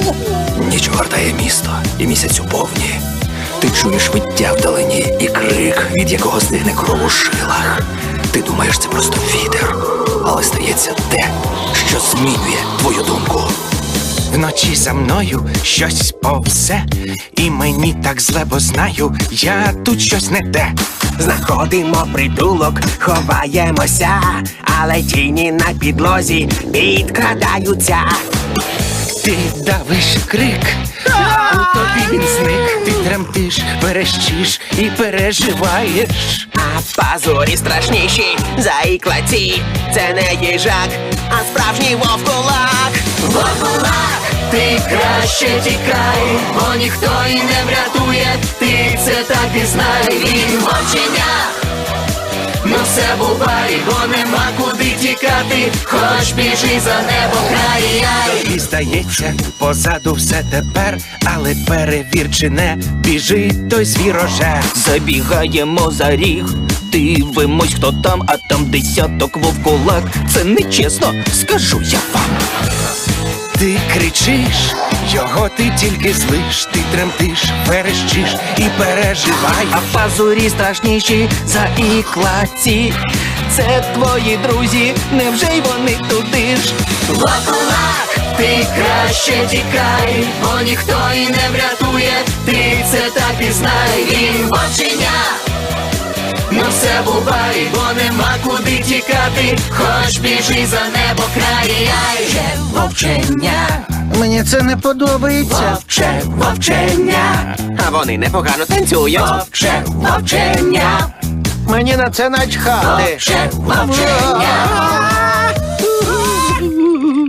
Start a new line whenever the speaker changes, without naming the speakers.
Ніч огортає місто, і місяць у повні. Ти чуєш виття вдалині і крик, від якого стигне кров у жилах. Ти думаєш, це просто вітер, але стається те, що змінює твою думку.
Вночі за мною щось повзе, і мені так зле, бо знаю, я тут щось не те.
Знаходимо притулок, ховаємося, але тіні на підлозі підкрадаються.
Ти давиш крик, у тобі він зник. Ти тремтиш, верещиш і переживаєш.
А пазурі страшніші за іклаці. Це не їжак, а справжній вовкулак.
Вовкулак, ти краще тікай, бо ніхто і не врятує. Ти це так і знай, він вовченя. Ну все бувай, бо нема куди тікати, хоч біжи за небо край.
І здається, позаду все тепер, але перевір, чи не біжить той звірожер.
Забігаємо за ріг, дивимось, хто там, а там десяток вовкулак. Це нечесно, скажу я вам.
Ти кричиш, його ти тільки злиш. Ти тремтиш, верещиш і переживаєш.
А пазурі страшніші за іклаці. Це твої друзі, невже й вони туди ж?
Вовкулак, ти краще тікай, бо ніхто і не врятує. Ти це так і знай, він вовченя. Ну все бувай, бо нема куди тікати, хоч біжи за небо край.
Вовченя.
Мені це не подобається.
Вовче, вовченя.
А вони непогано танцюють.
Вовче, вовченя.
Мені на це начхати.
Вовче, вовченя.